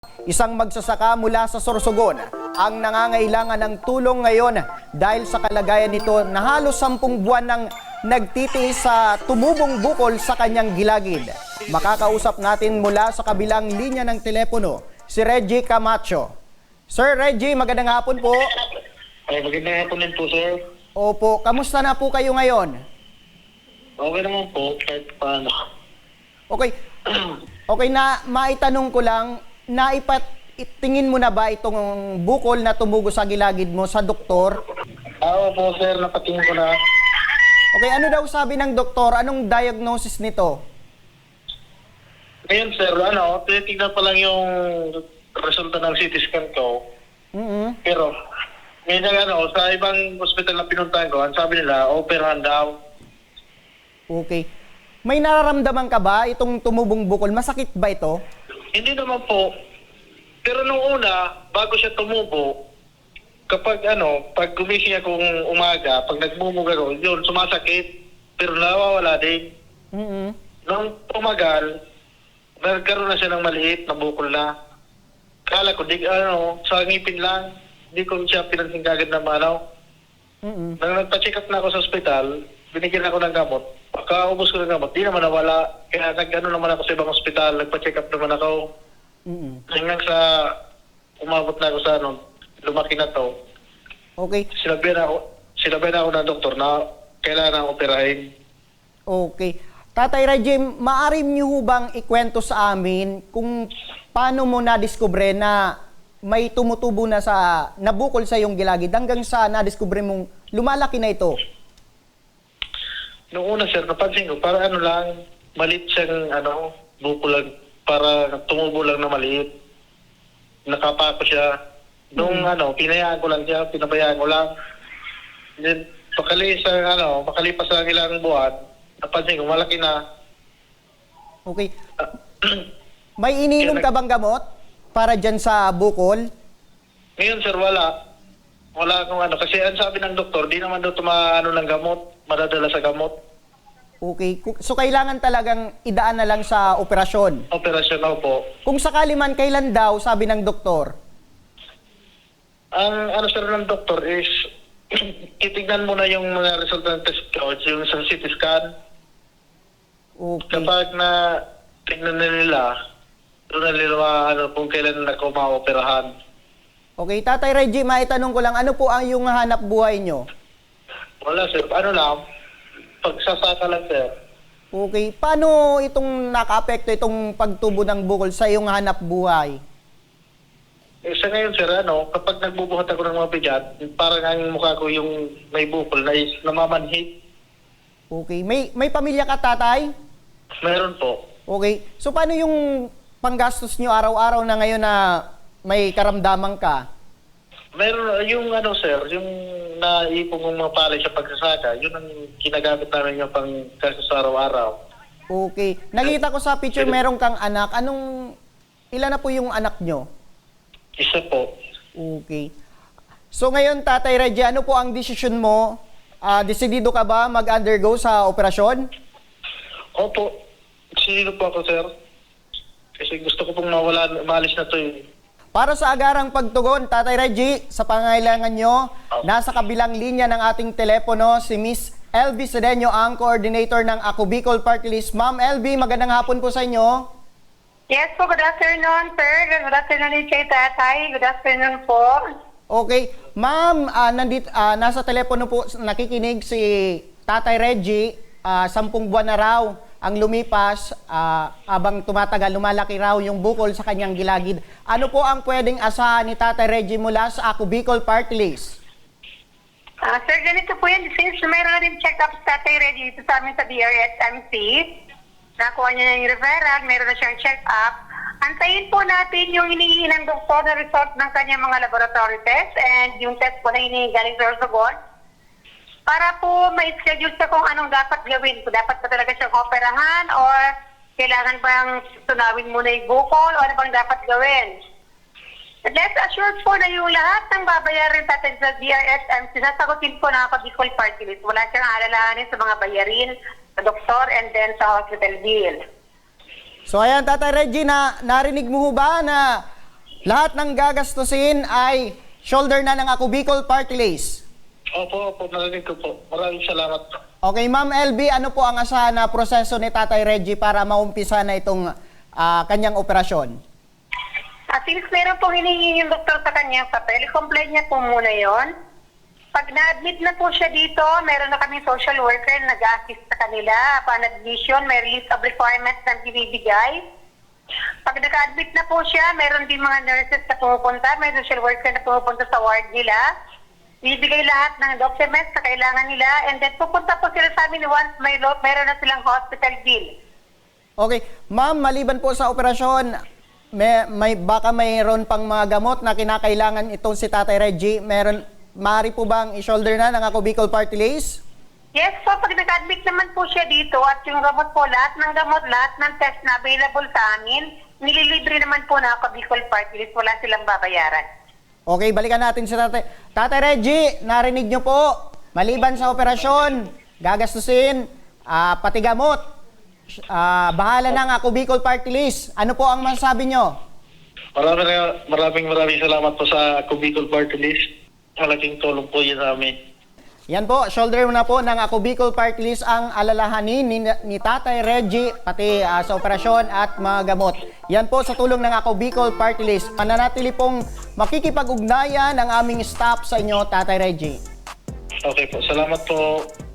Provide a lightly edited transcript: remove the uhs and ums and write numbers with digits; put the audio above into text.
Isang magsasaka mula sa Sorsogon ang nangangailangan ng tulong ngayon dahil sa kalagayan nito na halos 10 buwan nang nagtitiis sa tumubong bukol sa kanyang gilagid. Makakausap natin mula sa kabilang linya ng telepono si Reggie Camacho. Sir Reggie, magandang hapon po. Ay, magandang hapon din po, sir. Opo, kamusta na po kayo ngayon? Okay naman po, kahit paano. Okay. Okay na maitanong ko lang, tingin mo na ba itong bukol na tumugo sa gilagid mo sa doktor? Oo po, sir, napatingin ko na. Okay, ano daw sabi ng doktor? Anong diagnosis nito? Ngayon, sir, tinitignan pa lang yung resulta ng CT scan ko. Pero, ngayon sa ibang hospital na pinuntahan ko, ang sabi nila, operahan daw. Okay. May nararamdaman ka ba itong tumubong bukol? Masakit ba ito? Hindi naman po. Pero nung una, bago siya tumubo, kapag pag gumising akong umaga, pag nagmumuga ko, yun, sumasakit. Pero nawawala din. Nung tumagal, nagkaroon na siya ng maliit na bukol na. Kala ko, sa ngipin lang, hindi ko siya pinansin kagad na Nang nagpa-check up na ako sa ospital, binigyan ako ng gamot. Pagkaubos ko ng gamot, di naman nawala. Kaya naman ako sa ibang ospital, nagpa-check up naman ako. Hanggang sa umabot na ako sa lumaki na to. Okay. Sinabihan ako ng doktor na kailangan operahin. Okay. Tatay Reggie, maaari niyo bang ikwento sa amin kung paano mo na-discover na may tumutubo na nabukol sa iyong gilagid hanggang sa na-discover mong lumalaki na ito? Noong una, sir, napansin ko, para lang, maliit siyang, bukol lang, para tumubo lang na maliit. Nakapako siya. Nung, pinayaan ko lang siya, pinabayaan ko lang. Then, makalipas ang ilang buwan, napansin ko, malaki na. Okay. May ininom ka bang gamot para dyan sa bukol? Ngayon, sir, wala. Wala akong kasi ang sabi ng doktor, di naman daw ng gamot, madadala sa gamot. Okay. So, kailangan talagang idaan na lang sa operasyon? Operasyon po. Kung sakali man, kailan daw, sabi ng doktor? Ang sir ng doktor is, titignan mo na yung mga resulta ng test ko, yung sa CT scan. Okay. Kapag na tignan na nila, doon na nila kung kailan na ako maoperahan. Okay, Tatay Reggie, maitanong ko lang, ano po ang yung hanap buhay nyo? Wala, sir. Pagsasaka lang, sir. Okay, paano itong naka-apekto itong pagtubo ng bukol sa iyong hanap buhay? Sa ngayon, sir, kapag nagbubuhat ako ng mga bigat, parang ang mukha ko yung may bukol na namamanhid. Okay, may pamilya ka, tatay? Meron po. Okay, so paano yung panggastos nyo araw-araw na ngayon na may karamdaman ka? Meron, sir, yung naipong ng mga palay sa pagsasaka, yun ang ginagamit namin yung panggastos sa araw-araw. Okay, nakita ko sa picture meron kang anak. Ilan na po yung anak nyo? Isa po. Okay. So ngayon, Tatay Reggie, ano po ang desisyon mo? Desidido ka ba mag-undergo sa operasyon? Opo. Sino po ako, sir? Kasi gusto ko pong maalis na to eh. Para sa agarang pagtugon, Tatay Reggie, sa pangailangan nyo, nasa kabilang linya ng ating telepono si Miss LB Sedeño, ang coordinator ng Ako Bicol Party List. Ma'am LB, magandang hapon po sa inyo. Yes po, good afternoon, sir. Good afternoon din kay Tatay. Good afternoon po. Okay. Ma'am, nasa telepono po nakikinig si Tatay Reggie. 10 buwan na raw ang lumipas, habang tumatagal, lumalaki raw yung bukol sa kanyang gilagid. Ano po ang pwedeng asahan ni Tatay Reggie mula sa Ako Bicol Party List? Sir, ganito po yan. Since mayroon na rin check-up sa Tatay Reggie dito sa amin sa DRSMC, nakuha niya na yung referral, mayroon na siyang check-up. Antayin po natin yung hinihingi ng doktor na result ng kanyang mga laboratory test and yung test po na hinihingi galing sa Sorsogon para po ma-schedule siya kung anong dapat gawin. Kung dapat pa talaga siyang operahan or kailangan bang tunawin muna yung bukol o ano bang dapat gawin. But let's assure po na yung lahat ng babayarin natin sa DRSMC, sasagutin po na ako Bicol Party List. Wala siyang alalahanin sa mga bayarin, sa doktor, and then sa hospital bill. So ayan, Tatay Reggie, narinig mo ho ba na Lahat ng gagastusin ay shoulder na ng Ako Bicol Party List. Opo, narinig ko po. Maraming salamat po. Okay, Ma'am LB, ano po ang asahan na proseso ni Tatay Reggie para maumpisa na itong kanyang operasyon? Since meron pong hinihingi yung doktor sa kanyang papel, i-complete niya po muna yon. Pag na-admit na po siya dito, meron na kaming social worker na nag-assist sa kanila. Upon admission, may list of requirements na binibigay. Pag naka-admit na po siya, meron din mga nurses na pumupunta, may social worker na pumupunta sa ward nila. Bibigay lahat ng documents na kailangan nila, and then pupunta po sila sa amin once meron na silang hospital bill. Okay, Ma'am, maliban po sa operasyon, baka mayroon pang mga gamot na kinakailangan itong si Tatay Reggie. Maaari po bang i-shoulder na ng Ako Bicol Party List? Yes po, pag nag-admit naman po siya dito at yung gamot po, lahat ng test na available sa amin, nililibre naman po na Ako Bicol Party List, wala silang babayaran. Okay, balikan natin si Tatay. Tatay Reggie, narinig niyo po, maliban sa operasyon, gagastusin, pati gamot, bahala ng Ako Bicol Party List. Ano po ang masasabi niyo? Maraming salamat po sa Ako Bicol Party List. Malaking tulong po yun sa amin. Yan po, shoulder na po ng Ako Bicol Party List ang alalahanin ni Tatay Reggie, pati sa operasyon at mga gamot. Yan po sa tulong ng Ako Bicol Party List. Mananatili pong makikipag-ugnayan ang aming staff sa inyo, Tatay Reggie. Okay po, salamat po.